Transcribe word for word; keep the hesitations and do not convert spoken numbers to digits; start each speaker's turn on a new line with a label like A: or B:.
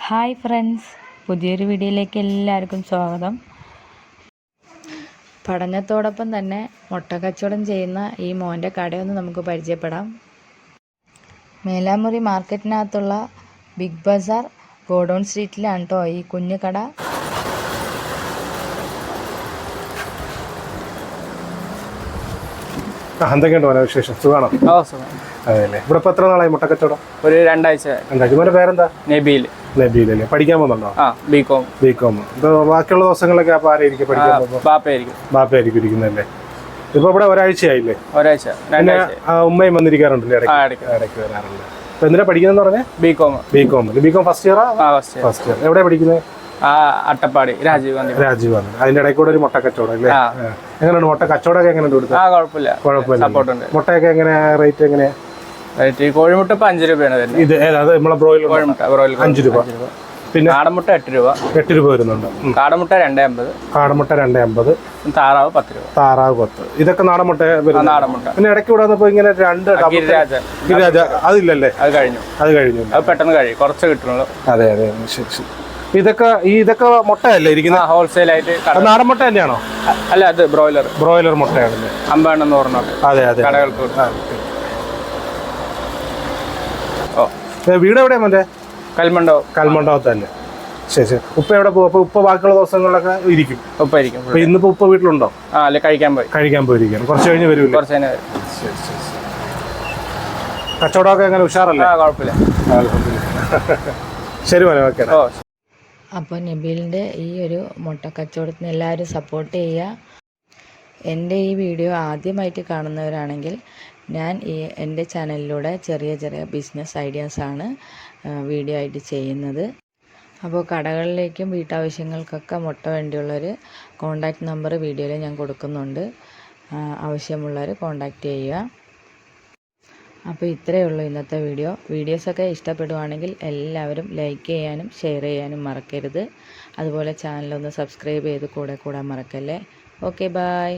A: Hi friends, പുതിയൊരു വീഡിയോയിലേക്ക് എല്ലാവർക്കും സ്വാഗതം. പഠനത്തോടൊപ്പം തന്നെ മുട്ട കച്ചവടം ചെയ്യുന്ന ഈ മോൻ്റെ കടയൊന്ന് നമുക്ക് പരിചയപ്പെടാം. മേലാമുറി മാർക്കറ്റിനകത്തുള്ള ബിഗ് ബസാർ ഗോഡൗൺ സ്ട്രീറ്റിലാണ് കേട്ടോ ഈ കുഞ്ഞു കട.
B: എന്തൊക്കെയുണ്ട് മോനെ വിശേഷം? സുഖമാണോ? അതെല്ലേ. ഇവിടെ ഇപ്പൊ എത്ര നാളായി മുട്ട കച്ചവടം?
C: ഒരു രണ്ടാഴ്ച.
B: രണ്ടാഴ്ച. മോന്റെ പേരെന്താ?
C: നബീൽ.
B: നബീൽ അല്ലേ. പഠിക്കാൻ പോകുന്നുണ്ടോ?
C: ബികോം.
B: ബികോം. ഇപ്പൊ ബാക്കിയുള്ള ദിവസങ്ങളൊക്കെ അപ്പൊ ആരായിരിക്കും പഠിക്കാൻ പോകുന്നത്?
C: ബാപ്പയായിരിക്കും.
B: ബാപ്പയായിരിക്കും ഇരിക്കുന്നല്ലേ. ഇപ്പൊ ഇവിടെ ഒരാഴ്ചയായില്ലേ?
C: ഒരാഴ്ച.
B: പിന്നെ ഉമ്മയും വന്നിരിക്കാറുണ്ടല്ലേ? ഇടയ്ക്ക് ഇടയ്ക്ക് വരാറുണ്ട്. ഇപ്പൊ എന്തിനാ പഠിക്കുന്നതെന്ന് പറഞ്ഞേ?
C: ബികോം.
B: ബികോം. ബികോം ഫസ്റ്റ് ഇയറാ? First year. എവിടെയാ പഠിക്കുന്നത്?
C: അട്ടപ്പാടി രാജീവ് ഗാന്ധി.
B: രാജീവ് ഗാന്ധി. അതിന്റെ ഇടയിൽ കൂടെ ഒരു മുട്ട കച്ചവടം അല്ലേ? എങ്ങനെയുണ്ട് മുട്ട കച്ചവടമൊക്കെ? എങ്ങനെയുണ്ട് കൊടുത്തത്?
C: കുഴപ്പമില്ല.
B: കുഴപ്പമില്ല. മുട്ടയൊക്കെ എങ്ങനെയാ റേറ്റ്? എങ്ങനെയാ
C: റേറ്റ്? കോഴിമുട്ട ഇപ്പൊ അഞ്ച് രൂപയാണ്.
B: ഇത് ഏതാ? നമ്മളെ ബ്രോയിലർ കോഴിമുട്ട ബ്രോയിലർ അഞ്ച് രൂപ. പിന്നെ
C: കാടമുട്ട എട്ട് രൂപ.
B: എട്ട് രൂപ വരുന്നുണ്ട്.
C: കാടമുട്ട രണ്ടേ അമ്പത്.
B: കാടമുട്ട രണ്ടേ അമ്പത്.
C: താറാവ് പത്ത് രൂപ.
B: താറാവ് പത്ത്. ഇതൊക്കെ നാടൻമുട്ട.
C: നാടൻമുട്ട.
B: പിന്നെ ഇടയ്ക്ക് ഇവിടെ വന്നപ്പോ ഇങ്ങനെ രണ്ട്
C: ഗിരിരാജ.
B: ഗിരിരാജ അതില്ലല്ലേ?
C: അത് കഴിഞ്ഞു.
B: അത് കഴിഞ്ഞു.
C: അത് പെട്ടെന്ന് കഴിയും. കുറച്ച് കിട്ടുള്ളൂ.
B: അതെ അതെ. ശരി ശരി. ഇതൊക്കെ ഈ ഇതൊക്കെ മുട്ടയല്ലേ ഇരിക്കുന്നത്?
C: ഹോൾസെയിൽ ആയിട്ട്.
B: നാടൻ മുട്ട തന്നെയാണോ?
C: അല്ല, അത് ബ്രോയിലർ.
B: ബ്രോയിലർ മുട്ടയാണല്ലേ?
C: അമ്പതെണ്ണം നൂറെണ്ണം.
B: അതെ അതെ.
C: കടകൾക്ക്.
B: വീട് എവിടെയാ മോന്റെ?
C: കൽമണ്ഡപം.
B: കൽമണ്ഡപം തന്നെ. ശരി ശരി. ഉപ്പ എവിടെ പോകും? അപ്പൊ ഉപ്പ ബാക്കിയുള്ള ദിവസങ്ങളിലൊക്കെ ഇരിക്കും?
C: ഉപ്പ ഇരിക്കും.
B: അപ്പൊ ഇന്നിപ്പോ ഉപ്പ വീട്ടിലുണ്ടോ?
C: ആ, അല്ലെ കഴിക്കാൻ പോയി.
B: കഴിക്കാൻ പോയിരിക്കും. കുറച്ച് കഴിഞ്ഞ് വരും.
C: കുറച്ച് കഴിഞ്ഞ് വരും.
B: ശരി ശരി. കച്ചവടമൊക്കെ എങ്ങനെ? ഉഷാറല്ലേ?
C: ആ, കുഴപ്പമില്ല.
B: ശരി മോനെ, ഓക്കെ.
A: അപ്പോൾ നബീലിൻ്റെ ഈ ഒരു മുട്ട കച്ചവടത്തിന് എല്ലാവരും സപ്പോർട്ട് ചെയ്യുക. എൻ്റെ ഈ വീഡിയോ ആദ്യമായിട്ട് കാണുന്നവരാണെങ്കിൽ ഞാൻ ഈ എൻ്റെ ചാനലിലൂടെ ചെറിയ ചെറിയ ബിസിനസ് ഐഡിയാസാണ് വീഡിയോ ആയിട്ട് ചെയ്യുന്നത്. അപ്പോൾ കടകളിലേക്കും വീട്ടാവശ്യങ്ങൾക്കൊക്കെ മുട്ട വേണ്ടിയുള്ളവർ കോൺടാക്റ്റ് നമ്പർ വീഡിയോയിൽ ഞാൻ കൊടുക്കുന്നുണ്ട്. ആവശ്യമുള്ളവർ കോൺടാക്റ്റ് ചെയ്യുക. അപ്പോൾ ഇത്രയേ ഉള്ളൂ ഇന്നത്തെ വീഡിയോ. വീഡിയോസൊക്കെ ഇഷ്ടപ്പെടുവാണെങ്കിൽ എല്ലാവരും ലൈക്ക് ചെയ്യാനും ഷെയർ ചെയ്യാനും മറക്കരുത്. അതുപോലെ ചാനലൊന്ന് സബ്സ്ക്രൈബ് ചെയ്ത് കൂടെ കൂടാൻ മറക്കല്ലേ. Okay, by.